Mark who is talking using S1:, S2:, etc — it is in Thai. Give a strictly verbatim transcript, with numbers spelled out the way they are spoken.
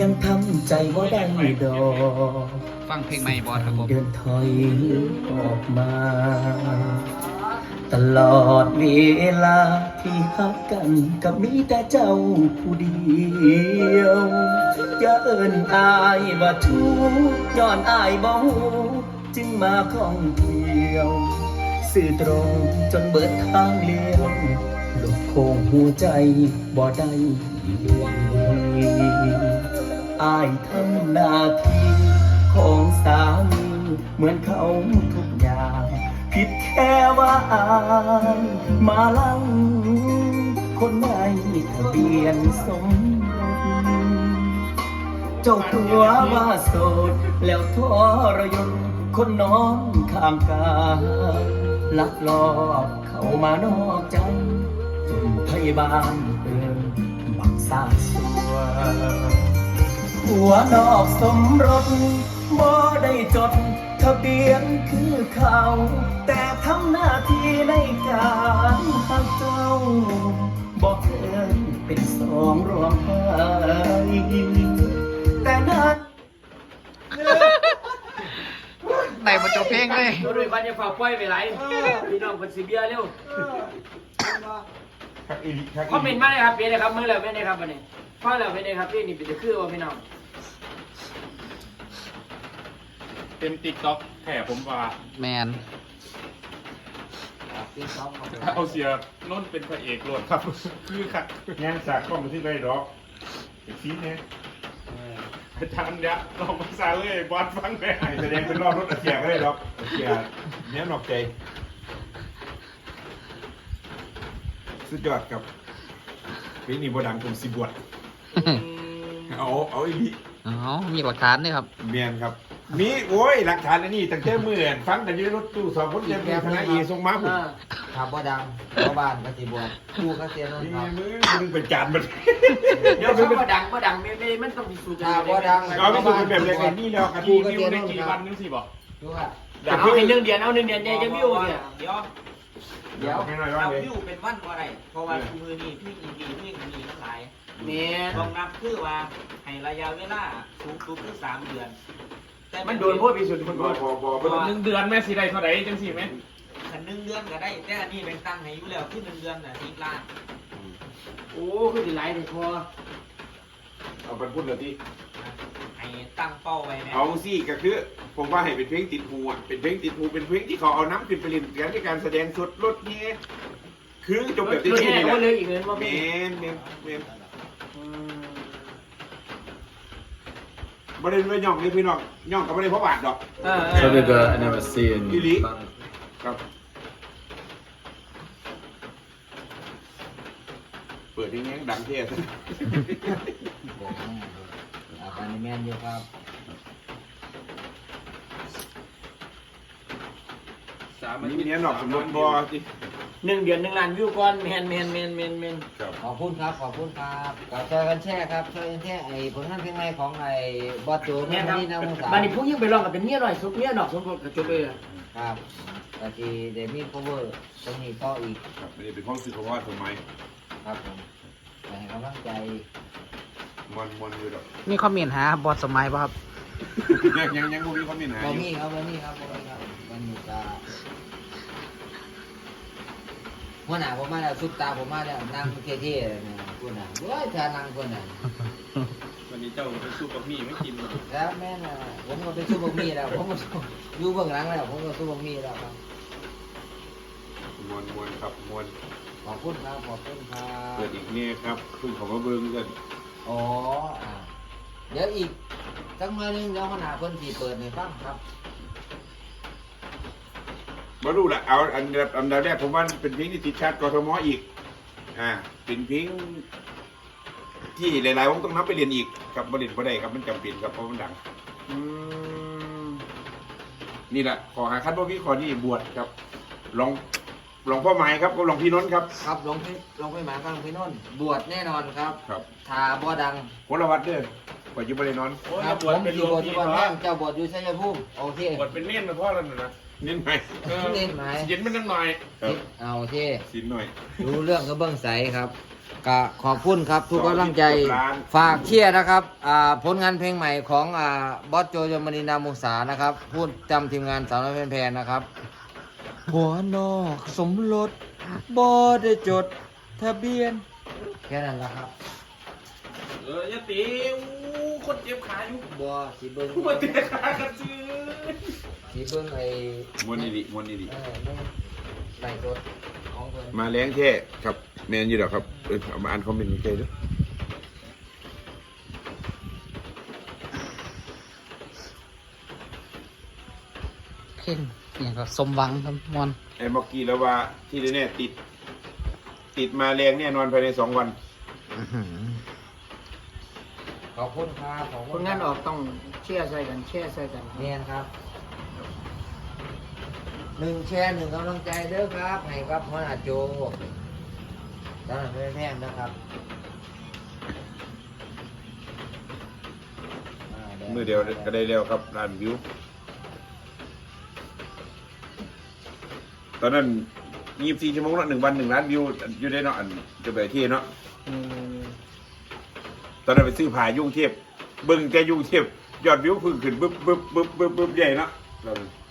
S1: ยังทำใจบ่ได้ดอก
S2: ฟังเพลงใหม่บอสครับผม
S1: เดินถอยออกมา ตลอดเวลาที่ฮักกันกับมีแต่เจ้าผู้เดียวอย่าเอิ้นอายว่าทุกข์ย้อนอายบ่ฮู้จึงมาข้องเที่ยวสื่อตรงจนเบิดทางเลี้ยวหลบโค้งหัวใจบ่ได้อายทำหน้าที่ของสามีเหมือนเขาทุกอย่างผิดแค่ว่าอายมาลังคนไม่ทะเบียนสมรสเจ้าตัวว่าโสดแล้วทรยศคนนอนข้างกายลักลอบเข้ามานอกใจจนพยาบาลเตือนบักสร้างสัวหัวนอกสมรสบ่ได้จดทะเบียนคือเขาแต่ทำหน้าที่ในการหักเจ้าบอกเคยเป็นสองรวมไห้แต่นั้น
S2: ไหนมาจบเพลงเลย
S3: โดยบันจะฝากปล่อยไปไหลพี่น้องคนสีเบียเร็วคอมเมนต์มาเลยครับเป็นไงครับมือแล้วเป็นไงครับวันนี้ฟังแล้วเป็นไงครับพี่นี่เป็นจะคือว่าพี่น้อง
S4: เต็มติ๊กต็อกแถผมว่า
S2: แมน
S4: เอาเสียน้นเป็นพระเอกโหลดครับคือขัดงานสากข้อมูลที่ไรหรอกอีกทีเนี่ยอาจารย์เนี่ยลองภาษาเลยบอสฟังได้แสดงเป็นรอบรถเสียก็ได้หรอกเสียเนี้ยหนอกใจสุดยอดกับเพลงนี้บดังผมสิบวชเอาเอาอีก
S2: อ๋อมีหลักฐานด้วยครับ
S4: เมียนครับมีโอ้ยหลักฐานอันนี้ตั้งแต่เมื่อนฟังแต่ยืนรถตู้สองคนเต็มคณะเอส่งมาผม
S5: ถามว่าดังเพราะบ้านก็สิบวชกูก็เสียนนท์ครับ
S4: มึงมึงเป็นจานมัน
S3: เดี๋ยวเขาบ่ดังบ่ดังไม่ไม่มันต้องมีสูตร
S5: ถามว่าดัง
S4: เอาไม่ถูกเป็นแบบอย่างนี้แล้วกันที่วิวได้กี่วันนึงสิบอก
S5: ดูว่า
S3: เอาให้หนึ่งเดือนเอาหนึ่งเดือนเนี่ยจะวิวเนี่ย
S5: เดี๋ยวเดี๋ยวเอาวิวเป็นวันอะไรเพราะว่ามือนี่พี่อีพีพี่มีทั้งหลาย
S3: เนี่ย
S5: ต้องนับคือว่าให้ระยะเวลาสูงสุดคือสามเดือน
S3: แต่มันโดนพวกพิสุทธิ์คนก่อน
S4: หนึ่งเดือนแม่สีใดเท่าไหร่จังสิไหม
S5: ขันหนึ่งเดือนก็ได้แต่อันนี้เป็นตั้งให้อยู่แล้วที่หนึ่งเดือนน่ะสิบล้าน
S3: โอ้คือสิหลายเลยพอ
S4: เอาไปพูดเลยที่
S5: ให้ตั้งเป้าไว้
S4: เอาสิก็คือผมว่าให้เป็นเพลงติดหูอ่ะเป็นเพลงติดหูเป็นเพลงที่เขาเอาน้ำขึ้นไปเล่นกันในการแสดงสดรถนี้คือจบแบบที่
S3: นี่แหละเลยอีกเงินว่า
S4: เมนเมนเมนบริเวณย่องนี่พี่น้องย่องกับบริเวณพระบาทดอก
S1: So did uh, I never see in
S4: อีลีครับเปิดที่นี้ดังเท่
S5: อาการแม่นเยอะครับ
S4: สามอันนี้เนี้ยหนอกสมรสบอจิ
S3: หนึ่งเดือนหนึ่งล้านวิวก่อนแมนแมนแมนแมนแมน
S5: ขอบคุณครับขอบคุณครับก็ช่วยกันแชร์ครับช่วยกันแชร์ไอ้ผลงานเพลงใหม่ของไอ้บอสโจแม่นี่นะมุสา
S3: บ้านนี้พวกยิ่งไปลองกับเป็นเมียหน่อยสุดเมียหนอกสมบูรณ์กับจบเลย
S5: ครับตะกี้เดมี่โคเวอร์ตรงนี้ต่ออีก
S4: ครับไม่ได้เป็นห้องสื่อเพราะว่าทำไม
S5: ครับผมให้กำลังใจ
S4: มันมันอยู่ดอก
S2: มีคอมเมนต์หาบอสสมัยป่ะครับ
S4: ยังยังยังมีคอมเมนต์หา
S5: บอมี่ครับบอมี่ครับบอมี่ครับมันมีตาหัวหน้าผมมาแล้วซุปตาผมมาแล้วนั่งเท่ๆเลยนะคุณน่ะเฮ้ยถ้านั่งคุณน่ะ
S4: วันนี้เจ้าเป็นซุปบะหมี่ไม่กิน
S5: แล้วแม่น่ะผมก็เป็นซุปบะหมี่แล้วผมก็อยู่เบื้องหลังแล้วผมก็ซุปบะหมี่แล้วครับ
S4: มวนมวนครับมวน
S5: ขอบคุณครับขอบคุณครับ
S4: เปิดอีกเนี่ยครับคุณของมาเบิ้งกัน
S5: อ๋อเดี๋ยวอีกสักหน่อยนึงเดี๋ยวหัวหน้าเพิ่นสิเปิดให้ฟังครับ
S4: มาดูละเอาอันดับอันดับแรกผมว่าเป็นเพลงที่ติดชาติกทมอีกอ่าเป็นเพลงที่หลายๆวงต้องนับไปเรียนอีกกับบริษัทบ่ได้ครับมันจำเป็นครับเพราะมันดังนี่แหละขอหาคัดว่าพี่ขอนี่บวชครับลองลองพ่อหมายครับก็ลองพี่น้นครับ
S5: ครับลองพี่ลองพี่หมายครับลองพี่น้นบวชแน่นอนครับ
S4: ครับ
S5: ทาบ่ดัง
S4: คนละวัดเด้อปยุบันนอน
S5: ครับผมเป็นบวชอยู่บ้านแม่เจ้าบวชอยู่ชัยภูมิโอเค
S4: บวชเป็นเน้นนะพ่อแล้วนะเน้นไหม
S5: เน้นไหม
S4: สินมันนิดหน่อย
S5: เอาโอเค
S4: สินหน่อย
S5: รู้เรื่องก็เบิ้งใสครับก็ขอบคุณครับทุกกำลังใจ
S4: สองสิบล้าน
S5: ฝากเชียร์นะครับอ่าผลงานเพลงใหม่ของอ่าบอสโจยมณีนามุสานะครับพูดจำทีมงานสาวน้อยแพนๆนะครับหัวนอกสมรสบอได้จดทะเบียนแค่นั้นแหละครับ
S4: เอออย่าตีอู้คนเจ็บขาอยู่
S5: บอสีเบิ้ง
S4: มาเตะขากันซื้อ
S5: สีเบิ้งไอ้
S6: มวนนี่ดิมวนนี่ดิ
S5: เออเบิ้งไล่จดของเพิ่น
S6: มาแรงแท้ครับแมนอยู่ดอกครับเออเอามาอ่านคอมเมนต์ใจด้วย
S2: เพลงอย่างก็สมหวังครับมวน
S6: ไอ้เมื่อกี้แล้วว่าที่แน่ๆติด ติดมาแรงแน่นอนภายในสองวัน
S2: อื้อหือ
S5: ขอบคุณครับขอบ
S3: ผ
S5: คุณ
S3: ลงานออกต้องเชื่อใส่กันเชื่อใส่กัน
S5: เนียนครับหนึ่งแชร์หนึ่งกำลังใจเด้อครับให้กับหัวหน้าโจสำหรับแพงๆนะครับา
S6: มือเดียวก็ได้แล้วครับล้านวิว ตอนนั้นยี่สิบสี่ชั่วโมงละหนึ่งวันหนึ่งล้านวิวอยู่ได้เนาะอันจะไปที่เนาะ
S3: อืม
S6: ตอนนั้นไปซื้อผ่ายุ่งเทียบเบิ่งแกยุ่งเทียบยอดวิวพึ่งขึ้นบึ๊บบึ๊บบึ๊บบึ๊บบึ๊บใหญ่เนาะเรา